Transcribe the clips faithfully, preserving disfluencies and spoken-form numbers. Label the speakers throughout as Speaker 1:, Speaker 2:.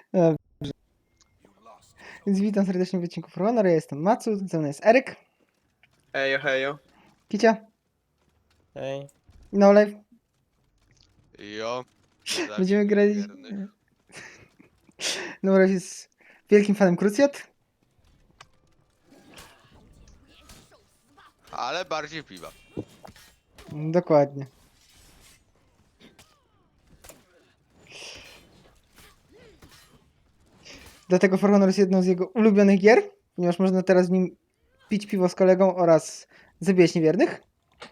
Speaker 1: Dobrze. Więc witam serdecznie w odcinku For Honor. Ja jestem Macu, ze mną jest Eryk,
Speaker 2: Hejo, hejo.
Speaker 1: Kicia,
Speaker 3: Ej,
Speaker 1: No Life.
Speaker 4: Jo.
Speaker 1: Będziemy grać.
Speaker 4: Wierny.
Speaker 1: No Life jest wielkim fanem Cruciat.
Speaker 4: Ale bardziej piwa.
Speaker 1: Dokładnie. Dlatego For Honor jest jedną z jego ulubionych gier, ponieważ można teraz w nim pić piwo z kolegą oraz zabijać niewiernych.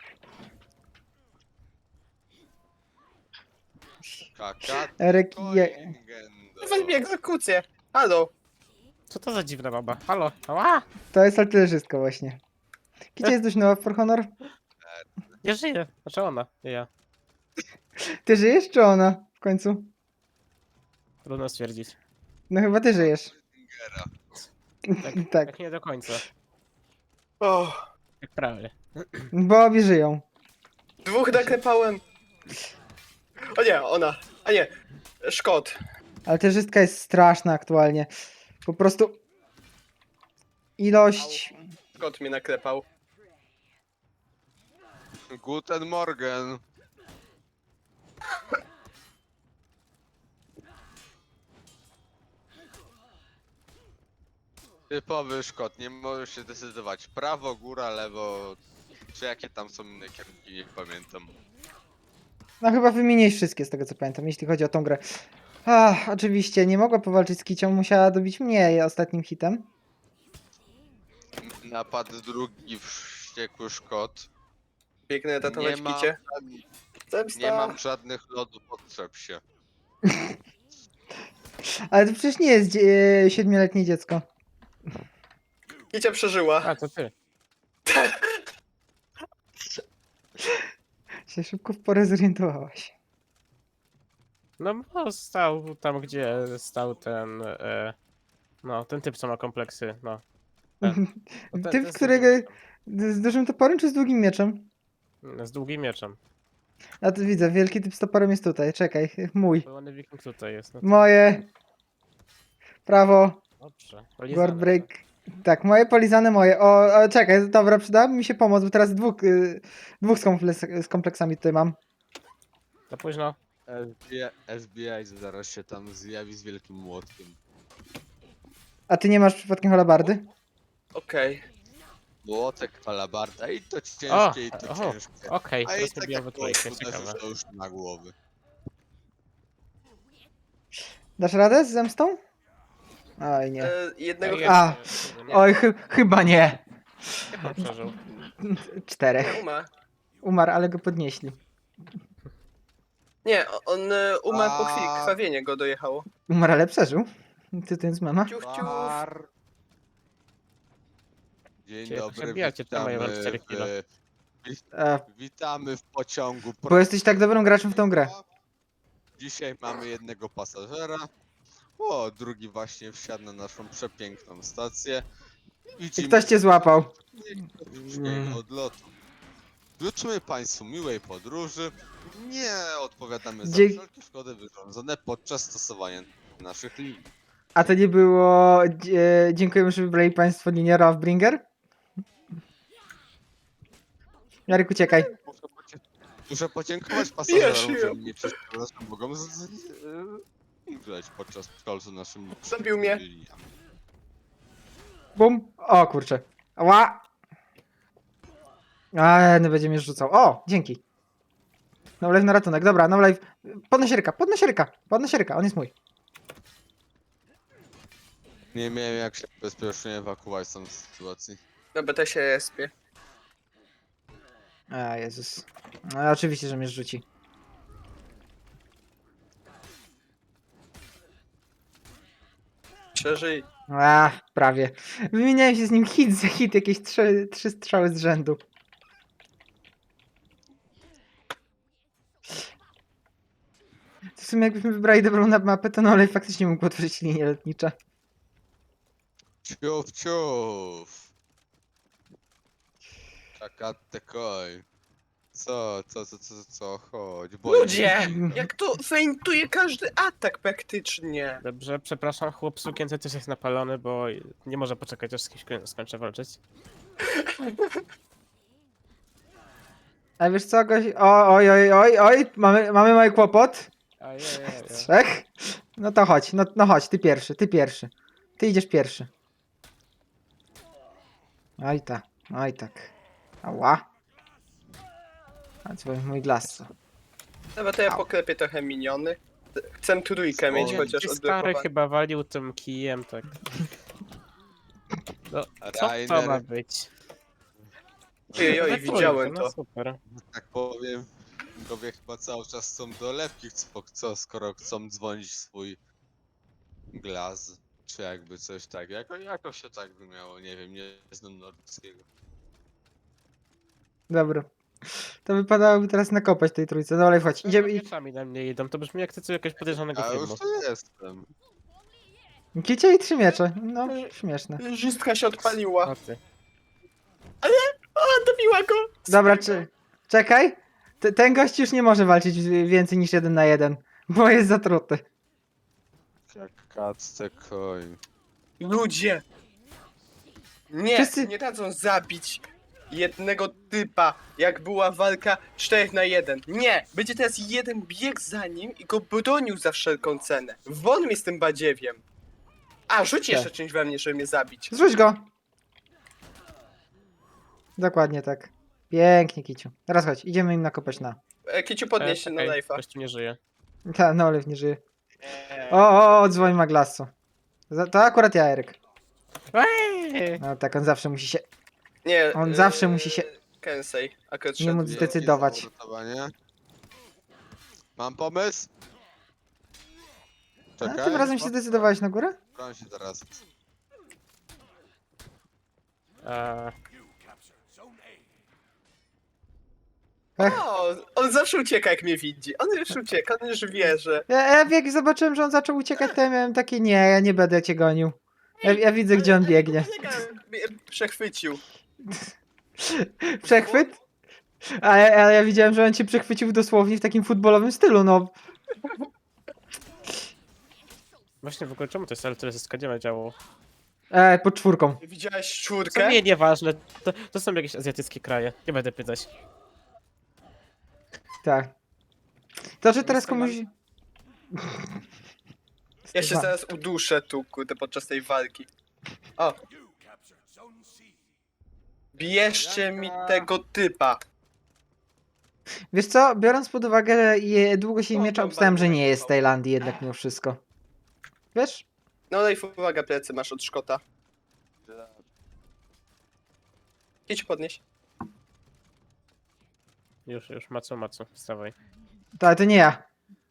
Speaker 4: Kaka.
Speaker 1: Eryk je...
Speaker 4: Koingendo.
Speaker 2: Weź mi egzekucję. Halo.
Speaker 3: co to za dziwna baba? Halo, ała!
Speaker 1: To jest artylerzystka właśnie. Kicia jest dość nowa w For Honor.
Speaker 3: Nie żyje. Znaczy ona, nie ja.
Speaker 1: Ty żyjesz czy ona w końcu?
Speaker 3: Trudno stwierdzić.
Speaker 1: No chyba ty żyjesz.
Speaker 4: Ingera.
Speaker 3: Tak,
Speaker 1: Tak,
Speaker 3: tak nie do końca.
Speaker 2: O,
Speaker 3: Jak prawie.
Speaker 1: bo obie żyją.
Speaker 2: dwóch naklepałem. O nie, ona. A nie, Szkot.
Speaker 1: Artylerzystka jest straszna aktualnie. Po prostu ilość...
Speaker 2: Szkot mnie naklepał.
Speaker 4: Guten Morgen. Typowy Szkot, nie możesz się decydować. Prawo, góra, lewo. Czy jakie tam są inne kierunki, nie pamiętam.
Speaker 1: No chyba wymieniłeś wszystkie z tego co pamiętam, jeśli chodzi o tą grę. Ach, oczywiście, nie mogła powalczyć z Kicią, musiała dobić mnie ostatnim hitem.
Speaker 4: Napad drugi, wściekły Szkot.
Speaker 2: Biegnę tatować
Speaker 4: Nie ma-
Speaker 2: kicie. Zemsta.
Speaker 4: Nie mam żadnych lodów, potrzeb się.
Speaker 1: Ale to przecież nie jest dzie- siedmioletnie dziecko.
Speaker 2: Kicia przeżyła.
Speaker 3: A, to ty.
Speaker 1: Się szybko w porę zorientowałaś.
Speaker 3: No bo stał tam, gdzie stał ten... E, no, ten typ, co ma kompleksy, no. Ten. No, ten-
Speaker 1: Typ,
Speaker 3: ten z
Speaker 1: którego...
Speaker 3: długim-
Speaker 1: Z dużym toporem czy z długim mieczem?
Speaker 3: Z długim mieczem.
Speaker 1: A tu widzę, wielki typ z toporem jest tutaj, czekaj, mój.
Speaker 3: Pełny wiking tutaj jest. No to
Speaker 1: Moje. Prawo.
Speaker 3: dobrze.
Speaker 1: Guard
Speaker 3: Polizane,
Speaker 1: break. Tak, moje polizane moje. O, o czekaj, dobra, przydałaby mi się pomoc, bo teraz dwóch, y, dwóch z, kompleks, z kompleksami tutaj mam.
Speaker 3: Za późno.
Speaker 4: F B I, F B I zaraz się tam zjawi z wielkim młotkiem.
Speaker 1: A ty nie masz przypadkiem halabardy?
Speaker 2: Okej.
Speaker 4: Młotek, alabarda i to
Speaker 3: O!
Speaker 4: ciężkie, i to
Speaker 3: o,
Speaker 4: ciężkie.
Speaker 3: Okej,
Speaker 4: A i
Speaker 3: teraz
Speaker 4: tak
Speaker 3: pobijam we
Speaker 4: jak
Speaker 3: trójkę,
Speaker 4: to
Speaker 3: ciekawe.
Speaker 4: uderzysz, to już na głowy.
Speaker 1: Dasz radę z zemstą? Oj, nie.
Speaker 2: E, Jednego
Speaker 3: Ja-
Speaker 1: A.
Speaker 3: ja-
Speaker 1: Oj, chy chyba nie.
Speaker 3: Jak on przeżył?
Speaker 1: Czterech.
Speaker 2: nie umarł.
Speaker 1: Umarł, ale go podnieśli.
Speaker 2: Nie, on e, umarł po chwili.
Speaker 4: A.
Speaker 2: Krwawienie go dojechało.
Speaker 1: Umarł, ale przeżył. Ty to jest mama?
Speaker 2: Ciuch, ciuch.
Speaker 4: Bar. Dzień
Speaker 3: Cię-
Speaker 4: dobry,
Speaker 3: przebijacie, to mają
Speaker 4: witamy
Speaker 3: cztery kilo.
Speaker 4: w,
Speaker 1: A,
Speaker 4: witamy w pociągu.
Speaker 1: bo jesteś tak dobrym graczem w tą grę.
Speaker 4: Dzisiaj mamy jednego pasażera. O, drugi właśnie wsiadł na naszą przepiękną stację.
Speaker 1: I
Speaker 4: Widzimy
Speaker 1: ktoś cię złapał.
Speaker 4: mm. odlotu. Życzymy Państwu miłej podróży. Nie odpowiadamy za
Speaker 1: Dzie-
Speaker 4: wszelkie szkody wyrządzone podczas stosowania naszych linii.
Speaker 1: A to nie było... Dzie dziękujemy, że wybrali państwo linię Ravbringer. Jarek, uciekaj.
Speaker 4: Muszę, podzie- muszę podziękować
Speaker 2: Wiesz,
Speaker 4: pasażerom,
Speaker 2: ja-
Speaker 4: że mnie przeszkadzasz, mogą z- z- e, umrzeć podczas szkolcu naszym.
Speaker 2: Zabił mnie.
Speaker 4: liniami.
Speaker 1: Bum. O kurczę. Ła. A, no będzie mnie rzucał. O, dzięki. No live na ratunek. Dobra, no live. Podnoś ręka, podnoś ręka, podnoś ręka, on jest mój.
Speaker 4: Nie miałem jak się bezpiecznie ewakuować z tej sytuacji.
Speaker 2: Na B T się respie.
Speaker 1: A, Jezus. No, oczywiście, że mnie rzuci.
Speaker 2: Przeżyj.
Speaker 1: A, prawie. Wymieniałem się z nim hit za hit, jakieś trzy, trzy strzały z rzędu. W sumie jakbyśmy wybrali dobrą na- mapę, to no ale faktycznie mógł otworzyć linie lotnicze.
Speaker 4: Ciuf, ciuf. Czakatte koj. Co, co, co, co, co, chodź, boję
Speaker 2: Ludzie! Jak to feintuje każdy atak praktycznie.
Speaker 3: Dobrze, przepraszam, chłop w sukience też jest napalony, bo nie może poczekać, aż z kimś skoń- skończę walczyć.
Speaker 1: A wiesz co, goś... O, oj, oj, oj, oj, mamy, mamy mały kłopot.
Speaker 3: Ajajaj.
Speaker 1: Trzech? No to chodź, no, no chodź, ty pierwszy, ty pierwszy. Ty idziesz pierwszy. Oj tak, oj tak. Ała. A co mój glas.
Speaker 2: Dobra, to ja
Speaker 1: Au.
Speaker 2: poklepię trochę miniony. Chcę trójkę mieć,
Speaker 4: O,
Speaker 2: chociaż
Speaker 3: Stary
Speaker 2: odblokowany.
Speaker 3: chyba walił tym kijem, tak. No, co to
Speaker 4: Rainer.
Speaker 3: ma być?
Speaker 2: Ojej, oj,
Speaker 3: Ale
Speaker 2: widziałem
Speaker 3: trójka, no
Speaker 2: to.
Speaker 3: super.
Speaker 4: tak powiem, widzowie chyba cały czas są dolewki, co, co skoro chcą dzwonić w swój glas, czy jakby coś tak, jako, jako się tak by miało, nie wiem, nie znam nordyckiego.
Speaker 1: Dobra. To wypadałoby teraz nakopać tej trójce. No ale chodź, idziemy.
Speaker 3: Idziemy sami na mnie idą, to brzmi jak ty co jakiegoś podejrzanego
Speaker 4: Ja
Speaker 3: filmu.
Speaker 4: już tu jestem.
Speaker 1: Kicie i trzy miecze. No, śmieszne.
Speaker 2: Żystka się odpaliła.
Speaker 3: O ty.
Speaker 2: A, dobiła go!
Speaker 1: Dobra, czy... czekaj. T- ten gość już nie może walczyć więcej niż jeden na jeden, bo jest zatruty.
Speaker 4: Jak kacce koń.
Speaker 2: Ludzie! Nie,
Speaker 1: Wszyscy-
Speaker 2: nie dadzą zabić jednego typa, jak była walka cztery na jeden. Nie! Będzie teraz jeden bieg za nim i go bronił za wszelką cenę. Won mi z tym badziewiem. A, rzuć jeszcze czymś we mnie, żeby mnie zabić.
Speaker 1: Zrzuć go. Dokładnie tak. Pięknie, Kiciu. Teraz chodź, idziemy im nakopać na.
Speaker 2: E, Kiciu, podnieś się na
Speaker 3: Okej,
Speaker 2: live'a.
Speaker 3: Gościu nie żyje.
Speaker 1: Ta, no Oliw nie żyje. O, o, o, dzwoń Maglasu. Za- To akurat ja, Eryk.
Speaker 3: Eee!
Speaker 1: No tak, on zawsze musi się...
Speaker 2: Nie,
Speaker 1: On
Speaker 2: e,
Speaker 1: zawsze musi się-
Speaker 2: Kensei, akurat
Speaker 1: Nie
Speaker 2: szedł.
Speaker 1: móc
Speaker 4: Wielkie
Speaker 1: zdecydować.
Speaker 4: zauratowanie. Mam pomysł?
Speaker 1: A
Speaker 4: Czekaj.
Speaker 1: tym razem się zdecydowałeś na górę?
Speaker 4: Szukam się teraz.
Speaker 3: Eee,
Speaker 2: O, on zawsze ucieka jak mnie widzi. On już ucieka, on już wie, że...
Speaker 1: Ja, ja jak zobaczyłem, że on zaczął uciekać, to ja miałem takie, nie, ja nie będę cię gonił. Ja, ja widzę, gdzie on biegnie.
Speaker 2: Kolega mnie przechwycił.
Speaker 1: Przechwyt? A ja, a ja widziałem, że on cię przechwycił dosłownie w takim futbolowym stylu, no.
Speaker 3: właśnie w ogóle czemu to jest L tyle zyska? Gdzie ma działo?
Speaker 1: E, pod czwórką.
Speaker 2: Widziałeś
Speaker 3: Co
Speaker 2: czwórkę?
Speaker 3: nie, nieważne. To, to są jakieś azjatyckie kraje. Nie będę pytać.
Speaker 1: Tak. To, że teraz komuś...
Speaker 2: Ja się zaraz uduszę tu, kurde, podczas tej walki. O. Bierzcie mi tego typa.
Speaker 1: Wiesz co, biorąc pod uwagę, że je, długo się
Speaker 2: O,
Speaker 1: miecza,
Speaker 2: to
Speaker 1: obstałem, że
Speaker 2: bardzo
Speaker 1: nie jest z
Speaker 2: fajnie.
Speaker 1: Tajlandii jednak mimo wszystko. Wiesz?
Speaker 2: No daj uwaga, plecy masz od Szkota. Idź podnieś.
Speaker 3: Już, już, macu, macu, wstawaj.
Speaker 1: To, ale to nie ja.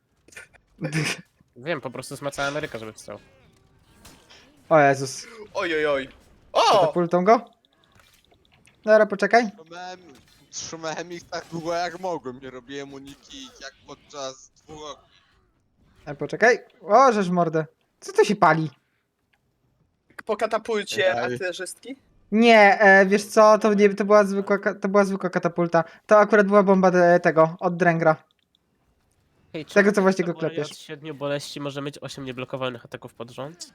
Speaker 3: Wiem, po prostu zmacała Ameryka, żeby wstał.
Speaker 1: O Jezus.
Speaker 2: Oj, oj, oj. O!
Speaker 1: Katapultą go? Dobra, poczekaj.
Speaker 4: Trzymałem, trzymałem ich tak długo jak mogłem. Nie robiłem uniki jak podczas dwóch ogni.
Speaker 1: E, poczekaj. O, żeż mordę. Co to się pali?
Speaker 2: Po katapulcie
Speaker 4: Daj.
Speaker 2: artylerzystki?
Speaker 1: Nie, e, wiesz co, to, nie, to, była zwykła, ka- to była zwykła katapulta. To akurat była bomba de, tego, od Drengra.
Speaker 3: Hej,
Speaker 1: Tego, co właśnie go
Speaker 3: Samurai
Speaker 1: klepiesz.
Speaker 3: Od siedmiu boleści może mieć osiem nieblokowanych ataków pod rząd?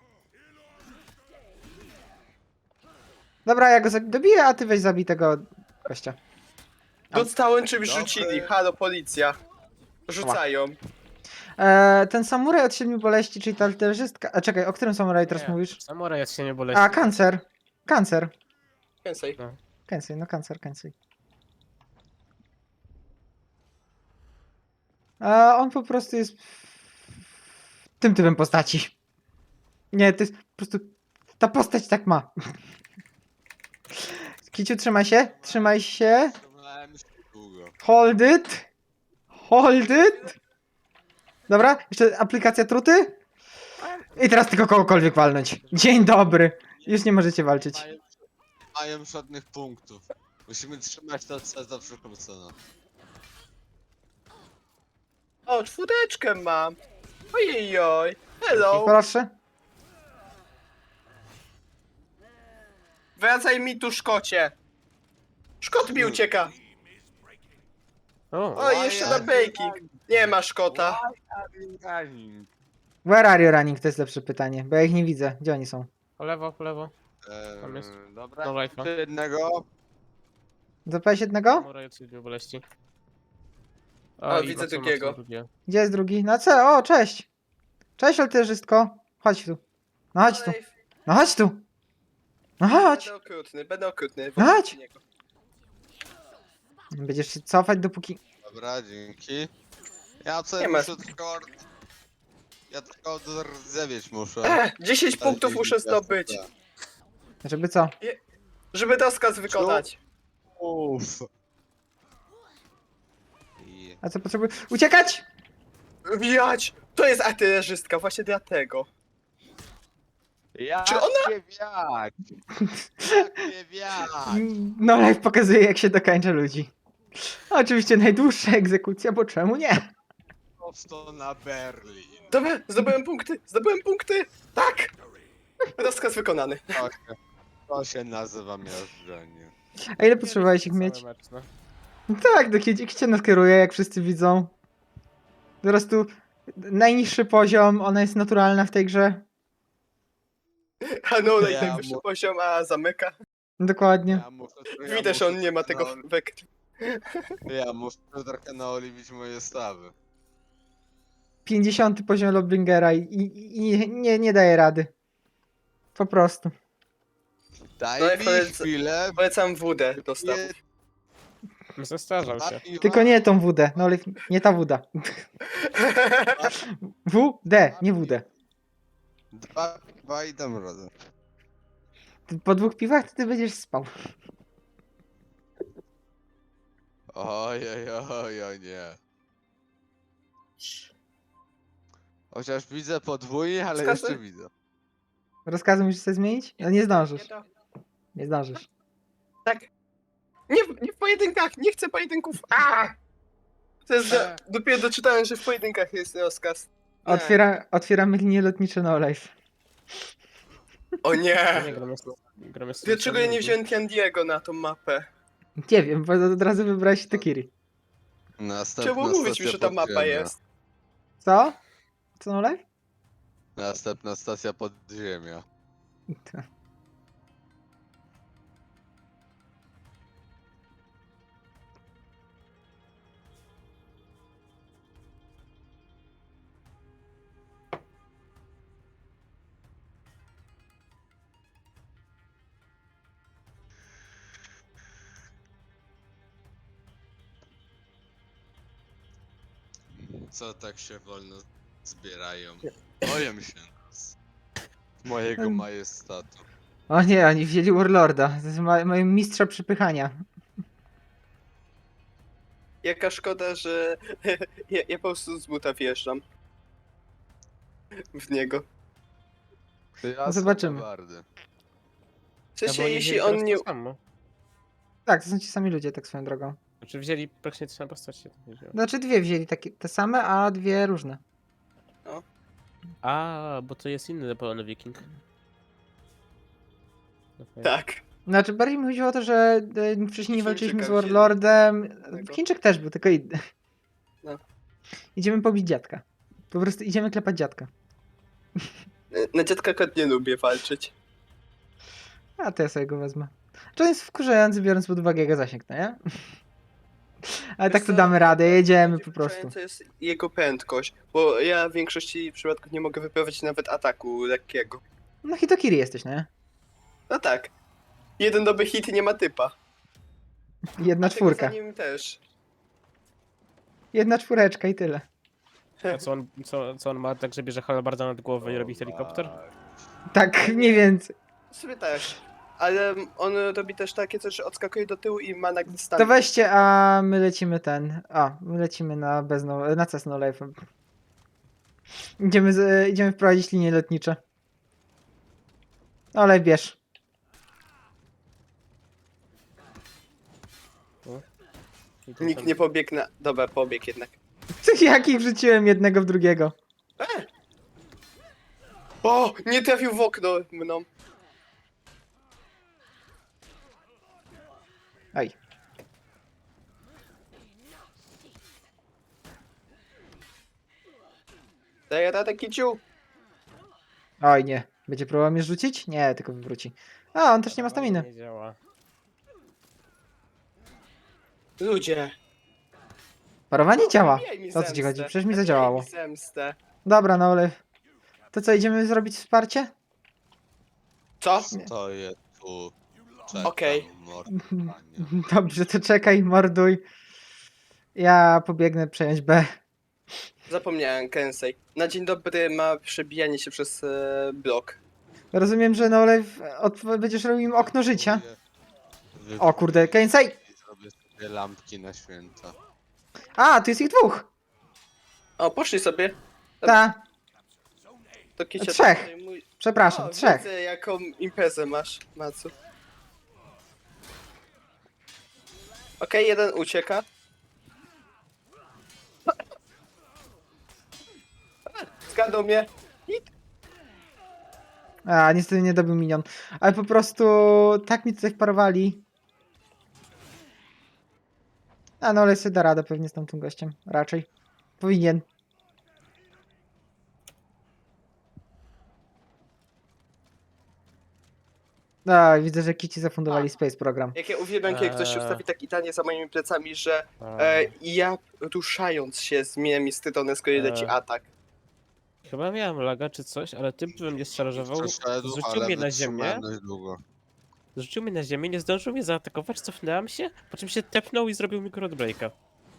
Speaker 1: Dobra, ja go zabi- dobiję, a ty weź zabij tego gościa.
Speaker 2: Dostałem czymś
Speaker 4: Dobry.
Speaker 2: rzucili. Halo, policja. Rzucają.
Speaker 1: E, ten samuraj od siedmiu boleści, czyli ta artylerzystka... A czekaj, o którym samuraju teraz
Speaker 3: Nie,
Speaker 1: mówisz?
Speaker 3: Samurai od siedmiu boleści.
Speaker 1: A, kancer. Kancer.
Speaker 2: Kensei.
Speaker 1: Kensei, no kancer, Kensei. A on po prostu jest tym typem postaci. Nie, to jest po prostu... Ta postać tak ma. Kiciu, trzymaj się, trzymaj się.
Speaker 4: Trzymałem się długo.
Speaker 1: Hold it. Hold it. Dobra, jeszcze aplikacja truty. I teraz tylko kogokolwiek walnąć. Dzień dobry. Już nie możecie walczyć.
Speaker 4: Mają, mają żadnych punktów. Musimy trzymać to C za wszelką cenę.
Speaker 2: O, czwóreczkę mam. Ojej, oj. Hello.
Speaker 1: Proszę.
Speaker 2: Wracaj mi tu, Szkocie. Szkot mi ucieka.
Speaker 3: O,
Speaker 2: O, jeszcze na baking. Nie ma szkota.
Speaker 4: Running.
Speaker 1: Where are you running? To jest lepsze pytanie, bo ja ich nie widzę. Gdzie oni są?
Speaker 3: po lewo, po lewo. Tam jest.
Speaker 4: Eee, dobra,
Speaker 3: No life'a.
Speaker 4: czy jednego.
Speaker 1: Zapałeś jednego?
Speaker 3: Mora jest siedmiu boleści.
Speaker 2: O,
Speaker 3: i
Speaker 2: widzę
Speaker 3: mocno,
Speaker 2: drugiego.
Speaker 3: mocno drugie.
Speaker 1: Gdzie jest drugi? Na C. O, cześć. Cześć, olterzystko. Chodź tu. No chodź tu.
Speaker 2: Ej,
Speaker 1: No chodź tu. No chodź.
Speaker 2: Będę okrutny, będę okrutny.
Speaker 1: No chodź.
Speaker 2: wobec niego.
Speaker 1: Będziesz się cofać dopóki...
Speaker 4: Dobra, dzięki. Ja co
Speaker 2: Nie ma.
Speaker 4: muszę tylko... Ja tylko rdzewieć muszę.
Speaker 2: E, dziesięć punktów muszę zdobyć,
Speaker 1: Żeby co?
Speaker 2: żeby rozkaz wykonać.
Speaker 4: Uff. I...
Speaker 1: A co potrzebuję? Uciekać!
Speaker 2: Wijać! To jest artylerzystka, właśnie dlatego.
Speaker 4: Jak
Speaker 2: Czy ona-
Speaker 4: nie wiać? Jak nie wiać?
Speaker 1: No live pokazuje jak się dokańcza ludzi. Oczywiście najdłuższa egzekucja, bo czemu nie?
Speaker 4: Prosto na Berlin.
Speaker 2: Dobra, zdobyłem punkty, zdobyłem punkty! Tak! Rozkaz wykonany.
Speaker 4: To się, to się nazywa miażdżenie.
Speaker 1: A ile potrzebowałeś ich
Speaker 3: Cały
Speaker 1: mieć?
Speaker 3: mecz, no.
Speaker 1: Tak, do kiedy cię nas kieruje, jak wszyscy widzą. Po prostu najniższy poziom, ona jest naturalna w tej grze.
Speaker 2: A no,
Speaker 4: Ja
Speaker 2: i najwyższy
Speaker 4: mu-
Speaker 2: poziom, a zamyka.
Speaker 1: Dokładnie.
Speaker 4: Ja muszę, ja
Speaker 2: Widać, że
Speaker 4: muszę
Speaker 2: on nie ma tego
Speaker 4: trochę
Speaker 2: wektu.
Speaker 4: na- Ja muszę trochę naoliwić moje stawy.
Speaker 1: pięćdziesiąty poziom Lobbingera i, i, i nie, nie daje rady. Po prostu.
Speaker 4: Daj
Speaker 2: No i
Speaker 4: mi
Speaker 2: powiedz-
Speaker 4: chwilę.
Speaker 2: Polecam wódę do stawów.
Speaker 3: Zestarzał
Speaker 4: dwa
Speaker 3: się.
Speaker 4: piwa,
Speaker 1: Tylko nie tą W D. No ale nie ta woda. W D, nie W D.
Speaker 4: Dwa piwa i dam radę.
Speaker 1: Po dwóch piwach to ty będziesz spał.
Speaker 4: Oj, oj, oj, oj, nie. Chociaż widzę podwójnie, ale
Speaker 2: Wskazy?
Speaker 4: jeszcze widzę.
Speaker 1: Rozkazy musisz sobie zmienić? No nie zdążysz.
Speaker 2: Nie to-
Speaker 1: Nie zdążysz.
Speaker 2: Tak. Nie, w- nie w pojedynkach, nie chcę pojedynków. A! To jest, do, dopiero doczytałem, że w pojedynkach jest rozkaz. Nie.
Speaker 1: Otwiera, otwieramy linie lotnicze no live.
Speaker 2: O
Speaker 3: Nie,
Speaker 2: nie!
Speaker 3: gramy z, gramy z
Speaker 2: Dlaczego ja nie wziąłem Candiego na tą mapę?
Speaker 1: Nie wiem, bo od razu wybrałeś Tekiri.
Speaker 4: Następna
Speaker 2: Czemu mówić mi,
Speaker 4: stacja
Speaker 2: że ta mapa
Speaker 4: podziemia.
Speaker 2: jest?
Speaker 1: Co? Co no live?
Speaker 4: Następna stacja podziemia. Co tak się wolno zbierają? Boję się nas. Mojego
Speaker 1: Em.
Speaker 4: majestatu.
Speaker 1: O nie, oni wzięli Warlorda. To jest ma, mają mistrza przypychania.
Speaker 2: Jaka szkoda, że ja, ja po prostu z buta wjeżdżam. W niego.
Speaker 4: Ja
Speaker 1: No zobaczymy.
Speaker 4: Bardy.
Speaker 2: W sensie,
Speaker 3: No bo oni
Speaker 2: jeśli
Speaker 3: wzięli
Speaker 2: on
Speaker 3: teraz
Speaker 2: nie...
Speaker 3: to samo.
Speaker 1: Tak, to są ci sami ludzie, tak swoją drogą.
Speaker 3: Znaczy wzięli praktycznie te same postacie. to nie wzięło.
Speaker 1: Znaczy dwie wzięli takie, te same, a dwie różne.
Speaker 3: A, bo to jest inny zapalony wiking. Okay.
Speaker 2: Tak.
Speaker 1: Znaczy bardziej mi chodziło o to, że e, wcześniej nie
Speaker 2: Chińczyka
Speaker 1: walczyliśmy z
Speaker 2: wzięli.
Speaker 1: Warlordem.
Speaker 2: Tego.
Speaker 1: Chińczyk też był, tylko inny.
Speaker 2: No.
Speaker 1: Idziemy pobić dziadka. Po prostu idziemy klepać dziadka.
Speaker 2: Na dziadka kot nie lubię walczyć.
Speaker 1: A to ja sobie go wezmę. Czy on jest wkurzający, biorąc pod uwagę jego zasięg, no nie? Ale tak to
Speaker 2: co?
Speaker 1: damy radę, jedziemy po prostu.
Speaker 2: Wkurzająca jest jego prędkość, bo ja w większości przypadków nie mogę wyprowadzić nawet ataku lekkiego.
Speaker 1: No Hitokiri jesteś, nie?
Speaker 2: No tak. Jeden dobry hit nie ma typa.
Speaker 1: Jedna
Speaker 2: A tego
Speaker 1: czwórka.
Speaker 2: za nim też.
Speaker 1: Jedna czwóreczka i tyle.
Speaker 3: A co on, co, co on ma, tak że bierze halabarda nad głowę i robi helikopter?
Speaker 1: Tak, mniej więcej.
Speaker 2: Sobie też. Ale on robi też takie coś, że odskakuje do tyłu i ma nagle stan.
Speaker 1: To weźcie, a my lecimy ten. A, my lecimy na bezno, na Cessno Life. Idziemy, z, idziemy wprowadzić linie lotnicze. Ale bierz.
Speaker 3: I to
Speaker 2: Nikt
Speaker 3: tam-
Speaker 2: nie pobiegł na... Dobra, pobiegł jednak.
Speaker 1: Jakich wrzuciłem jednego w drugiego.
Speaker 2: O! Nie trafił w okno mną.
Speaker 1: Aj.
Speaker 2: Daję radę, Kiciu?
Speaker 1: Oj nie. Będzie próbował mnie rzucić? Nie, tylko wywróci. A, on też nie ma staminy.
Speaker 3: Nie działa.
Speaker 2: Ludzie.
Speaker 1: Parowanie działa.
Speaker 2: Wbijaj mi
Speaker 1: O co ci chodzi?
Speaker 2: zemstę.
Speaker 1: Przecież mi
Speaker 2: Wbijaj
Speaker 1: zadziałało.
Speaker 2: mi zemstę.
Speaker 1: Dobra, no ale... To co, idziemy zrobić wsparcie?
Speaker 2: Co?
Speaker 4: Stoję tu. Czekam,
Speaker 2: Okej.
Speaker 4: mordowanie.
Speaker 1: Dobrze, to czekaj, morduj. Ja pobiegnę przejąć B.
Speaker 2: Zapomniałem, Kensei. Na dzień dobry ma przebijanie się przez e, blok.
Speaker 1: Rozumiem, że no ale w- od, będziesz robił im okno życia.
Speaker 4: Wy-
Speaker 1: O kurde, Kensei!
Speaker 4: I zrobię sobie lampki na święta.
Speaker 1: A, tu jest ich dwóch!
Speaker 2: O, poszli sobie.
Speaker 1: Ta,
Speaker 2: To Kicia
Speaker 1: Trzech.
Speaker 2: to mój...
Speaker 1: przepraszam,
Speaker 2: O,
Speaker 1: trzech.
Speaker 2: widzę, jaką imprezę masz, Macu. Okej, jeden ucieka. Zgadł mnie.
Speaker 1: A, niestety nie dobił minion. Ale po prostu tak mi tutaj wparowali. A no ale sobie da radę pewnie z tamtym gościem. Raczej. Powinien. A, widzę, że Kici zafundowali Space Program.
Speaker 2: Jak ja uwielbiam, kiedy ktoś się
Speaker 3: Eee.
Speaker 2: ustawi tak idealnie za moimi plecami, że
Speaker 3: A,
Speaker 2: e, ja ruszając się zmieniam mi strony, z kolei leci
Speaker 3: Eee.
Speaker 2: atak.
Speaker 3: Chyba miałem laga czy coś, ale typ, który mnie szarżował,
Speaker 4: Przeszedł,
Speaker 3: zrzucił
Speaker 4: ale
Speaker 3: mnie na
Speaker 4: wytrzymałem
Speaker 3: ziemię,
Speaker 4: dość długo.
Speaker 3: zrzucił mnie na ziemię, nie zdążył mnie zaatakować, cofnęłam się, po czym się tepnął i zrobił mi breaka.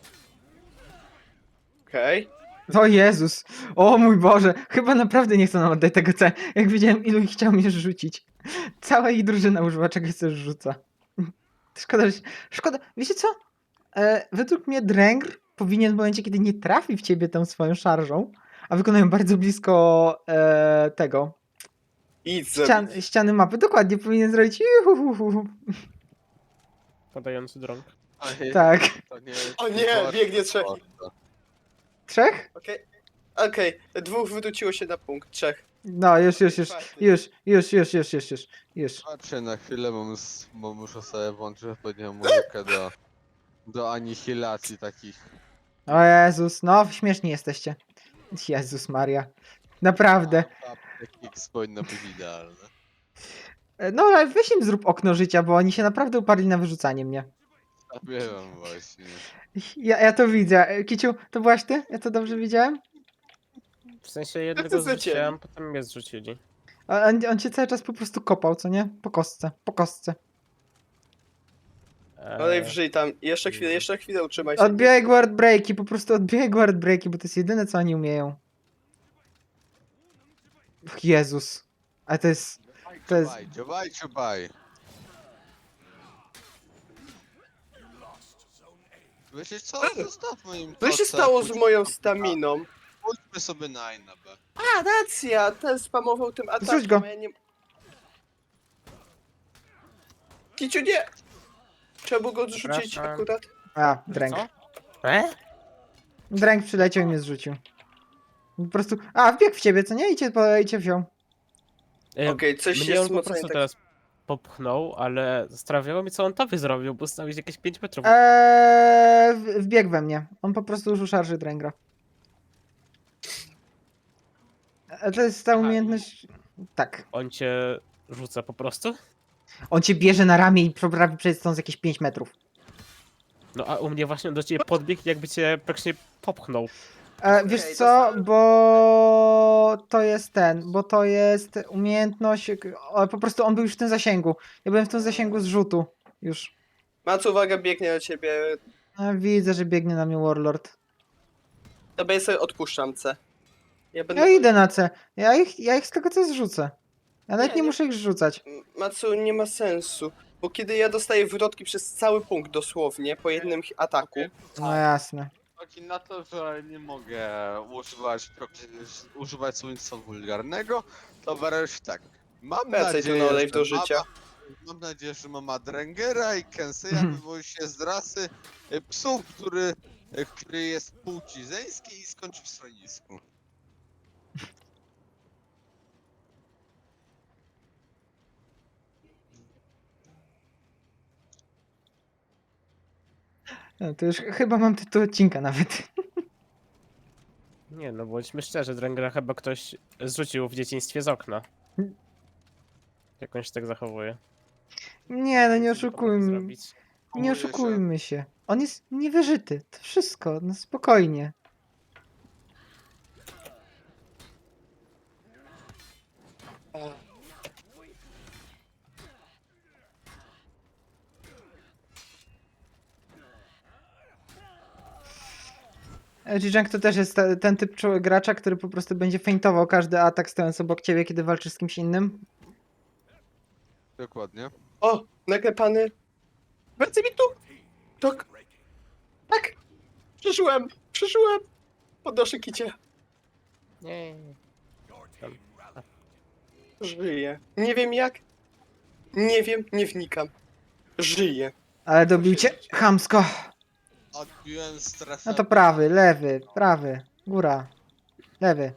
Speaker 2: Okej.
Speaker 1: O Jezus! O mój Boże! Chyba naprawdę nie chcą nam oddać tego C. Jak widziałem, ilu ich chciał mnie rzucić. Cała ich drużyna używa czegoś, co rzuca. Szkoda, że... Szkoda... Wiecie co? E, według mnie Drengr powinien w momencie, kiedy nie trafi w ciebie tą swoją szarżą, a wykonają bardzo blisko e, tego...
Speaker 2: Idź
Speaker 1: Ścian,
Speaker 2: zrobić.
Speaker 1: ściany mapy. Dokładnie, powinien zrobić... Juhuhuhu.
Speaker 3: Podający drąg.
Speaker 4: Ej,
Speaker 1: Tak.
Speaker 4: to nie
Speaker 2: O nie, biegnie trzech.
Speaker 1: Trzech?
Speaker 2: Okej. Okej, dwóch wywróciło się na punkt, trzech.
Speaker 1: No, już, już, już. Już, już, już, już, już, już. już.
Speaker 4: Patrzcie na chwilę, bo, mus, bo muszę sobie włączyć odpowiednią muzykę do, do anihilacji takich.
Speaker 1: O Jezus, no śmieszni jesteście. Jezus Maria. Naprawdę.
Speaker 4: X powinno być idealne.
Speaker 1: E, No ale weź im zrób okno życia, bo oni się naprawdę uparli na wyrzucanie mnie.
Speaker 4: Wiem właśnie.
Speaker 1: Ja, ja to widzę. E, Kiciu, to byłaś ty? Ja to dobrze widziałem?
Speaker 3: W sensie jednego
Speaker 2: zlecieli.
Speaker 3: zrzuciłem, potem mnie zrzucili.
Speaker 1: A On, on cię cały czas po prostu kopał, co nie? Po kostce, po kostce.
Speaker 2: Olej
Speaker 3: Eee,
Speaker 2: wrzyj tam. Jeszcze chwilę, jeszcze chwilę utrzymaj się.
Speaker 1: Odbijaj guard breaki, po prostu odbijaj guard breaki, bo to jest jedyne, co oni umieją. Och, Jezus. Ale to jest... To jest...
Speaker 4: Dziobaj, dziobaj, dziobaj. Wiecie co? Zostawmy im
Speaker 2: Co się
Speaker 4: kotę,
Speaker 2: stało z
Speaker 4: pójdźmy-
Speaker 2: moją staminą?
Speaker 4: Pójdźmy sobie na A i na B.
Speaker 2: A, racja, ten spamował tym atakiem,
Speaker 1: Zrzuć go.
Speaker 2: a ja nie... Kiciu, nie! Trzeba było go zrzucić
Speaker 3: Przepraszam.
Speaker 2: akurat.
Speaker 1: A, dręk.
Speaker 3: Co? E?
Speaker 1: Dręk przyleciał i mnie zrzucił. Po prostu... A, wbiegł w ciebie, co nie? I cię, po- i cię wziął.
Speaker 3: E,
Speaker 2: Okej, coś
Speaker 3: mnie
Speaker 2: jest
Speaker 3: on po
Speaker 2: mocniej
Speaker 3: prostu
Speaker 2: tak...
Speaker 3: teraz popchnął, ale zastanawiało mnie, co on tobie zrobił, bo stał jakieś pięć metrów.
Speaker 1: Eee, w- wbiegł we mnie. On po prostu użył szarży Dręgra. E, To jest ta
Speaker 3: Aha,
Speaker 1: umiejętność... Tak.
Speaker 3: On cię rzuca po prostu?
Speaker 1: On cię bierze na ramię i poprawi przejść stąd z jakieś pięć metrów.
Speaker 3: No a u mnie właśnie on do ciebie podbiegł, jakby cię praktycznie popchnął.
Speaker 1: E, wiesz
Speaker 2: Okej, to
Speaker 1: co,
Speaker 2: znam.
Speaker 1: bo to jest ten, bo to jest umiejętność, o, po prostu on był już w tym zasięgu. Ja byłem w tym zasięgu zrzutu już.
Speaker 2: Mac, uwaga, biegnie do ciebie.
Speaker 1: A, widzę, że biegnie na mnie Warlord.
Speaker 2: Dobra, ja sobie odpuszczam C. Ja będę...
Speaker 1: Ja idę na C. Ja ich, ja ich z tego co zrzucę. Ja nawet
Speaker 2: Nie,
Speaker 1: nie,
Speaker 2: nie.
Speaker 1: muszę ich rzucać.
Speaker 2: Macu, nie ma sensu. Bo kiedy ja dostaję wrotki przez cały punkt dosłownie, po jednym hi- ataku,
Speaker 1: No jasne.
Speaker 4: Taki na to, że nie mogę używać, używać słownictwa wulgarnego, to wreszcie tak. Mam
Speaker 2: Wracaj tu
Speaker 4: nadzieję,
Speaker 2: na olej
Speaker 4: że
Speaker 2: do życia.
Speaker 4: Mama, mam nadzieję, że mama Drengera i Kenseya wywodzi się z rasy y, psów, który, y, który jest płci żeńskiej i skończy w schronisku.
Speaker 1: No, to już chyba mam tytuł odcinka nawet.
Speaker 3: Nie no, bądźmy szczerzy, Drengera chyba ktoś zrzucił w dzieciństwie z okna. Jak on się tak zachowuje.
Speaker 1: Nie, no nie
Speaker 3: Nic powinien
Speaker 1: oszukujmy.
Speaker 3: zrobić.
Speaker 1: Nie
Speaker 4: Kumuje się.
Speaker 1: oszukujmy się. On jest niewyżyty. To wszystko, no spokojnie. Jijang to też jest te- ten typ czoł- gracza, który po prostu będzie feintował każdy atak stojąc obok ciebie, kiedy walczysz z kimś innym.
Speaker 4: Dokładnie.
Speaker 2: O, naklepany. Wracaj mi tu! Tak. Tak! Przeżyłem! Przeżyłem! Podnoszę kicie.
Speaker 3: Nie.
Speaker 2: Żyję. Nie wiem jak. Nie wiem, nie wnikam. Żyję.
Speaker 1: Ale dobił cię chamsko.
Speaker 4: Odbiłem strefę.
Speaker 1: No to prawy, lewy, prawy, góra, lewy.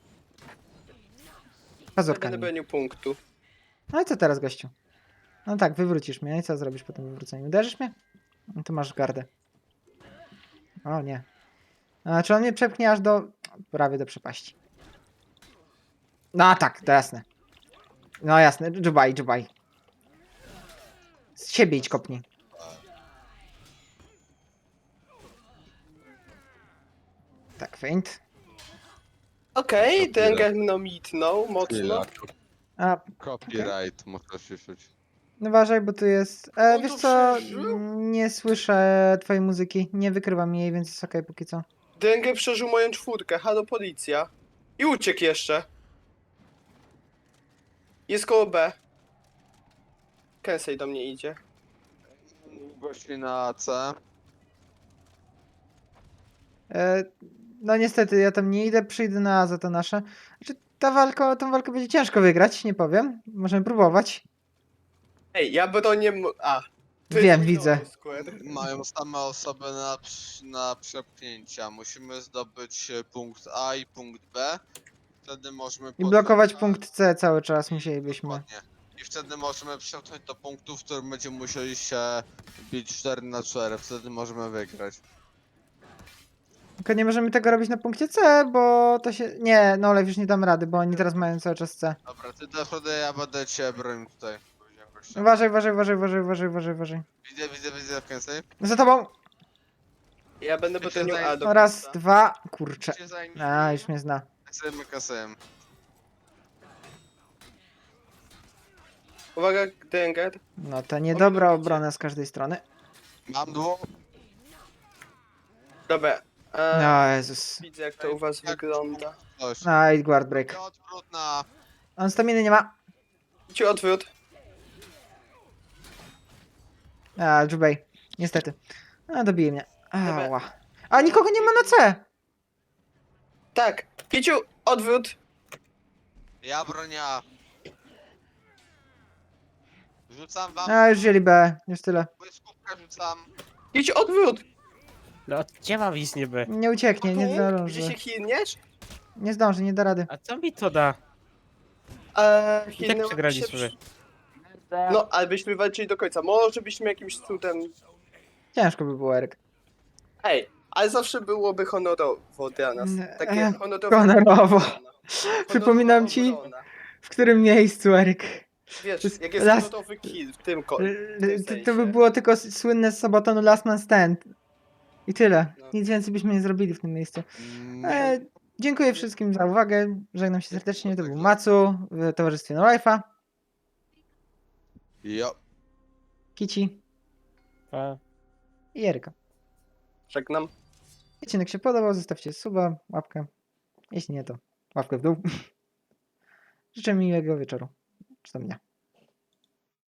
Speaker 2: Nie
Speaker 1: Pazurka.
Speaker 2: będę
Speaker 1: nim.
Speaker 2: bronił punktu.
Speaker 1: No i co teraz, gościu? No tak, wywrócisz mnie. I co zrobisz po tym wywróceniu? Uderzysz mnie? No to masz gardę. O nie. A, czy on mnie przepchnie aż do... prawie do przepaści. No tak, to jasne. No jasne, dżubaj, dżubaj. Z siebie idź kopnij. Tak, feint.
Speaker 2: Okej,
Speaker 4: Dobra.
Speaker 2: ten gang mną mitnął mocno.
Speaker 4: Chwila.
Speaker 1: A,
Speaker 4: Copyright, muszę się rzucić.
Speaker 1: no uważaj, bo tu jest... E,
Speaker 2: On
Speaker 1: wiesz
Speaker 2: tu
Speaker 1: co,
Speaker 2: przeżył?
Speaker 1: nie słyszę twojej muzyki. Nie wykrywam jej, więc jest okej póki co.
Speaker 2: Dengę przeżył moją czwórkę. Halo, policja. I uciekł jeszcze. Jest koło B. Kensei do mnie idzie.
Speaker 4: Gości na C.
Speaker 1: E, no niestety, ja tam nie idę, przyjdę na A za to nasze. Znaczy, ta walka, tą walkę będzie ciężko wygrać, nie powiem. Możemy próbować.
Speaker 2: Ej, ja bronię... m- A. to
Speaker 1: Wiem,
Speaker 2: jest
Speaker 1: widzę.
Speaker 2: Minoru Square.
Speaker 4: Mają same osoby na, przy- na przepchnięcia. Musimy zdobyć e, punkt A i punkt B. Wtedy możemy...
Speaker 1: I
Speaker 4: podjąć-
Speaker 1: blokować
Speaker 4: A,
Speaker 1: punkt C cały czas musielibyśmy.
Speaker 4: Dokładnie. I wtedy możemy przepchnąć do punktu, w którym będziemy musieli się bić cztery na cztery. Wtedy możemy wygrać.
Speaker 1: Tylko nie możemy tego robić na punkcie C, bo to się... Nie, no ale już nie dam rady, bo oni teraz mają cały czas C.
Speaker 4: Dobra, ty do przodu, ja będę cię bronił tutaj. Powiedziałem gościa.
Speaker 1: Uważaj, uważaj, uważaj, uważaj, uważaj, uważaj, uważaj.
Speaker 4: Widzę, widzę, widzę, Kensei.
Speaker 1: Za tobą!
Speaker 2: Ja będę
Speaker 4: Ty się
Speaker 2: bronił
Speaker 4: zaj-
Speaker 2: A do
Speaker 1: No raz,
Speaker 2: końca.
Speaker 1: dwa, kurczę.
Speaker 4: Cię zajmij.
Speaker 1: A, już mnie zna.
Speaker 4: Kensei, Kensei.
Speaker 2: Uwaga, Denger.
Speaker 1: No to niedobra obrona z każdej strony.
Speaker 4: Mam dwóch.
Speaker 2: Dobra. E,
Speaker 1: No Jezus.
Speaker 2: Widzę jak to u was wygląda.
Speaker 4: Coś.
Speaker 1: No i guard break.
Speaker 4: Odwrót na...
Speaker 1: On staminy nie ma.
Speaker 2: Ci odwrót.
Speaker 1: A, Jubei. Niestety. A, dobije mnie. Ała. A, nikogo nie ma na C!
Speaker 2: Tak. Kiciu, odwrót.
Speaker 4: Ja bronię A. Rzucam wam...
Speaker 1: A, już wzięli B. Już tyle.
Speaker 4: Błyskówkę rzucam.
Speaker 2: Kiciu, odwrót.
Speaker 3: No, gdzie mam iść niby?
Speaker 1: Nie ucieknie, nie
Speaker 2: Tu,
Speaker 1: zdąży.
Speaker 2: gdzie się hilniesz?
Speaker 1: Nie zdąży, nie da rady.
Speaker 3: A co mi to da?
Speaker 2: Eee,
Speaker 3: I tak
Speaker 2: hilnęłem
Speaker 3: przegraliśmy.
Speaker 2: się przy- No, ale byśmy walczyli do końca. Może byśmy jakimś cudem...
Speaker 1: Ciężko by było, Eryk.
Speaker 2: Ej, ale zawsze byłoby honorowo dla nas.
Speaker 1: Nie,
Speaker 2: Takie
Speaker 1: e,
Speaker 2: honorowe...
Speaker 1: honorowo.
Speaker 2: obrona.
Speaker 1: Przypominam ci-
Speaker 2: Honorowa obrona.
Speaker 1: W którym miejscu, Eryk?
Speaker 2: Wiesz,
Speaker 1: to jest
Speaker 2: jak jest
Speaker 1: las-
Speaker 2: honorowy kill w tym ko...
Speaker 1: L-
Speaker 2: w tym
Speaker 1: l- To, to by
Speaker 2: sensie.
Speaker 1: było tylko s- słynne z Sabatonu Last Man Stand. I tyle.
Speaker 2: No.
Speaker 1: Nic więcej byśmy nie zrobili w tym miejscu.
Speaker 4: Mm,
Speaker 1: E, dziękuję wszystkim za uwagę. Żegnam się serdecznie. To był Macu w towarzystwie No Life'a,
Speaker 4: Jo.
Speaker 1: Kici
Speaker 3: A,
Speaker 1: i Eryka.
Speaker 2: Żegnam.
Speaker 1: Odcinek się podobał, zostawcie suba, łapkę. Jeśli nie, to łapkę w dół. Życzę miłego wieczoru. Czy tam dnia.